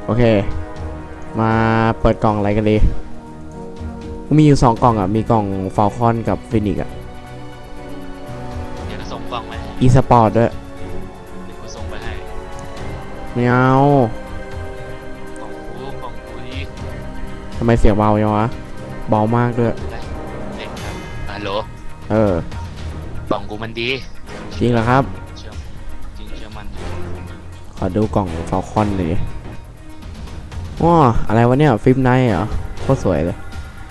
โอเคมาเปิดกล่องอะไรกันดีมีอยู่2กล่องอ่ะมีกล่องฟอลคอนกับฟินิกอ่ะเดี๋ยวจะส่งกล่องไปอีสปอร์ตด้วยเดี๋ยวกูส่งไปให้ไม่เอากล่องกูนี่ทำไมเสียงเบาจังวะเบามากด้วยเด็กครับฮัลโหลกล่องกูมันดีจริงเหรอครับเชื่อจริงเชื่อมันขอดูกล่องฟอลคอนหน่อยว้าอะไรวะเนี่ยฟิล์มไนท์เหรอโคตรสวยเลย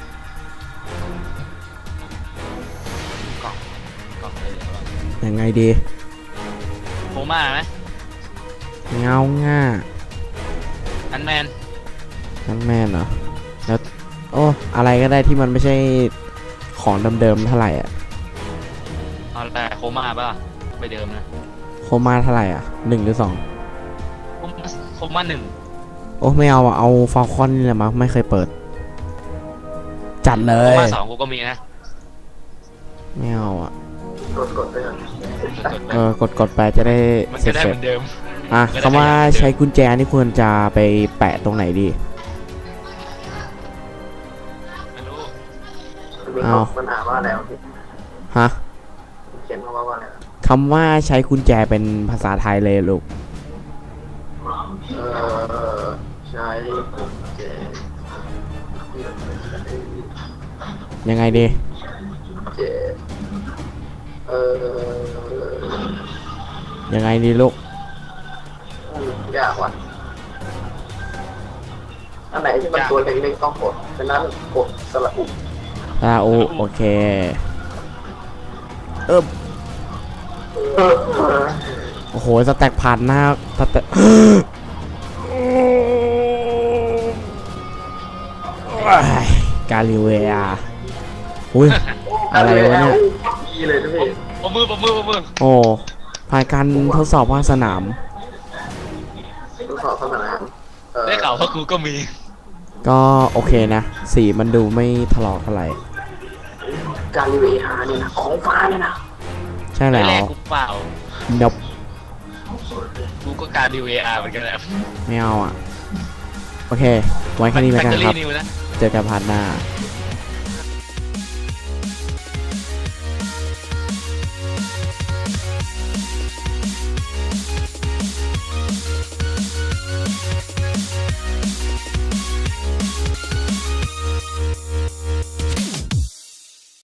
กล่องอะไรเดี๋ยวยังไงดีโคม่าไหมเงาง่าอันแมนเหรอแล้วโอ้อะไรก็ได้ที่มันไม่ใช่ของเดิมๆเท่าไหร่อ่ะเอาแต่โคม่าป่ะไปเดิมนะโคม่าเท่าไหร่อ่ะ1 หรือ 2 โคม่า1 โอ้ไม่เอาอ่ะเอาฟอลคอนนี่แหละมั้งไม่เคยเปิดจัดเลโคยม่า2กูก็มีนะไม่เอาอ่ะกดไปก่อนกดไปจะได้มันเสร็จะได้เหมือนเดิมคำว่าใช้กุญแจนี่ควรจะไปแปะตรงไหนดีไม่รู้ปัญหาว่าอะไรพี่ฮะเขียนว่าอะไรคำว่าใช้กุญแจเป็นภาษาไทยเลยลูกใช้กุญแจยังไงดีเจยังไงดีลูกยากว่ะอันไหนที่มันตัวเล็กๆต้องกดฉะนั้นกดสระอุโอเคโอ้โหสแต็กผ่านหน้าสแต็กกาลิเวียอุ้ยอะไรวะเนี่ยดีเลยนะพี่ปมือโอ้ผ่านการทดสอบภาคสนามทดสอบสนามได้ข่าวว่ากูก็มีก็โอเคนะสีมันดูไม่ถลอกเท่าไหร่กาลิเวียเนี่ยนะของฟ้าเนี่ยนะใช่แล้วกูเปล่าดับกูก็การดีเวอาร์เหมือนกันแหละไม่เอาอ่ะโอเคไว้แค่นี้แล้วกันครับเจอกันพาร์ทหน้า